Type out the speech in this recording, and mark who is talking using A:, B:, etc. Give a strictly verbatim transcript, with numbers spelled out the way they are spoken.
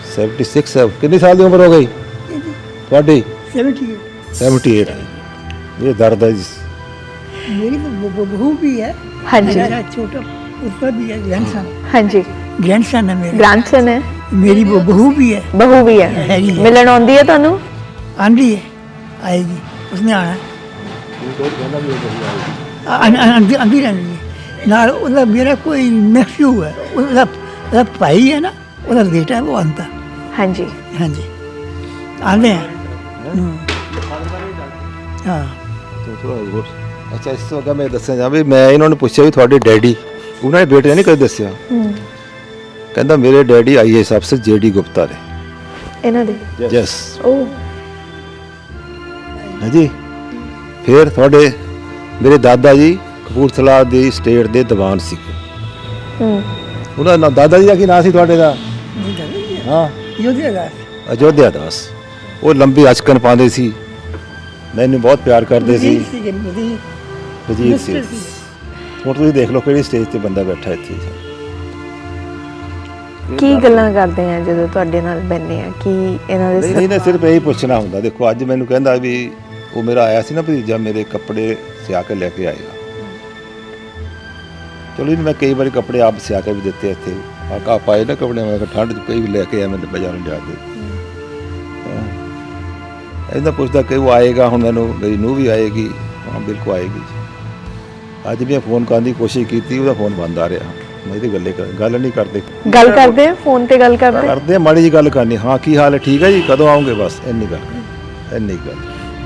A: Seventy six ਹੈ। ਕਿੰਨੀ ਸਾਲ ਦੀ ਉਮਰ ਹੋ ਗਈ ਤੁਹਾਡੀ?
B: सेवेंटी
A: ਸੈਵਨਟੀ ਏਟ ਹੈ। ਇਹ ਦਰਦ ਹੈ ਜੀ।
B: मेरी तो ब- ब- बहू भी है।
C: हाँ जी।
B: मेरा छोटा उसका भी है ग्रैंडसन।
C: हाँ जी,
B: ग्रैंडसन है मेरा।
C: ग्रैंडसन है,
B: मेरी वो बहू भी है।
C: बहू भी है।
B: हैगी है।
C: मिलन आउंदी है ਤੁਹਾਨੂੰ?
B: आंधी है, आएगी, उसने आना है। आ- आ- आंधी आंधी रहनी है नाल ਉਹਦਾ मेरा कोई नेफ्यू है, ਉਹਦਾ ਉਹਦਾ भाई है ना, ਉਹਦਾ बेटा है, वो आंता।
C: हाँ जी।
B: हाँ जी, आते हैं। हम्म। हाँ
A: ਅੱਛਾ, ਇਸ ਤੋਂ ਅੱਗੇ ਮੈਂ ਦੱਸਿਆ ਜਾ ਵੀ ਮੈਂ ਇਹਨਾਂ ਨੂੰ ਪੁੱਛਿਆ ਵੀ ਤੁਹਾਡੇ ਡੈਡੀ, ਉਹਨਾਂ ਨੇ ਬੇਟੇ ਨੇ ਨਹੀਂ ਕਦੇ ਦੱਸਿਆ।
C: ਹੂੰ।
A: ਕਹਿੰਦਾ ਮੇਰੇ ਡੈਡੀ ਆਈਏਐਸ ਅਫਸਰ ਜੇਡੀ ਗੁਪਤਾ ਨੇ।
C: ਇਹਨਾਂ ਦੇ?
A: ਯੈਸ।
C: ਉਹ
A: ਹਾਂਜੀ। ਫਿਰ ਤੁਹਾਡੇ ਮੇਰੇ ਦਾਦਾ ਜੀ ਕਪੂਰਥਲਾ ਦੀ ਸਟੇਟ ਦੇ ਦੀਵਾਨ ਸੀ।
C: ਹੂੰ।
A: ਉਹਨਾਂ ਦਾ ਦਾਦਾ ਜੀ ਦਾ ਕੀ ਨਾਂ ਸੀ ਤੁਹਾਡੇ ਦਾ? ਹਾਂ,
B: योध्या दास।
A: ਅਯੋਧਿਆ ਦਾਸ। ਉਹ ਲੰਬੀ ਅਚਕਨ ਪਾਉਂਦੇ ਸੀ, ਮੈਨੂੰ ਬਹੁਤ ਪਿਆਰ ਕਰਦੇ ਸੀ।
B: वजीर सी के वजीर।
A: ਵਜ਼ੀਰ ਸੀ।
B: मिनिस्टर सी।
A: ਹੁਣ ਤੁਸੀਂ ਦੇਖ ਲਓ ਕਿਹੜੀ ਸਟੇਜ ਤੇ ਬੰਦਾ ਬੈਠਾ ਇੱਥੇ।
C: ਕੀ ਗੱਲਾਂ ਕਰਦੇ ਆ ਜਦੋਂ ਤੁਹਾਡੇ ਨਾਲ ਬੈਠਦੇ ਆ? ਕੀ ਇਹਨਾਂ ਦੇ
A: ਨਹੀਂ ਨਹੀਂ ਨਾ ਸਿਰਫ ਇਹੀ ਪੁੱਛਣਾ ਹੁੰਦਾ। ਦੇਖੋ ਅੱਜ ਮੈਨੂੰ ਕਹਿੰਦਾ ਵੀ ਉਹ ਮੇਰਾ ਆਇਆ ਸੀ ਨਾ ਭਤੀਜਾ, ਮੇਰੇ ਕੱਪੜੇ ਸਿਆ ਕੇ ਲੈ ਕੇ ਆਏਗਾ। ਚਲੋ ਜੀ, ਮੈਂ ਕਈ ਵਾਰੀ ਕੱਪੜੇ ਆਪ ਸਿਆ ਕੇ ਵੀ ਦਿੱਤੇ ਇੱਥੇ। ਆ ਪਾਏ ਨਾ ਕੱਪੜੇ, ਮੈਂ ਕਿਹਾ ਠੰਡ 'ਚ ਕਈ ਵੀ ਲੈ ਕੇ ਆਇਆ ਮੈਂ ਬਾਜ਼ਾਰੋਂ ਜਾ ਕੇ। ਇਹਦਾ ਪੁੱਛਦਾ ਕਿ ਉਹ ਆਏਗਾ, ਹੁਣ ਮੈਨੂੰ ਮੇਰੀ ਨੂੰਹ ਵੀ ਆਏਗੀ। ਹਾਂ ਬਿਲਕੁਲ ਆਏਗੀ। ਅੱਜ ਵੀ ਫੋਨ ਕਰਨ ਦੀ ਕੋਸ਼ਿਸ਼ ਕੀਤੀ, ਉਹਦਾ ਫੋਨ ਬੰਦ ਆ ਰਿਹਾ। ਮੈਂ ਇਹਦੀ ਗੱਲੇ ਗੱਲ ਨਹੀਂ ਕਰਦੇ।
C: ਗੱਲ ਕਰਦੇ ਆ ਫੋਨ ਤੇ? ਗੱਲ ਕਰਦੇ
A: ਕਰਦੇ ਆ, ਮਾੜੀ ਜੀ ਗੱਲ ਕਰਨੀ। ਹਾਂ ਕੀ ਹਾਲ ਹੈ, ਠੀਕ ਹੈ ਜੀ, ਕਦੋਂ ਆਉਂਗੇ, ਬਸ ਇੰਨੀ ਗੱਲ ਇੰਨੀ ਗੱਲ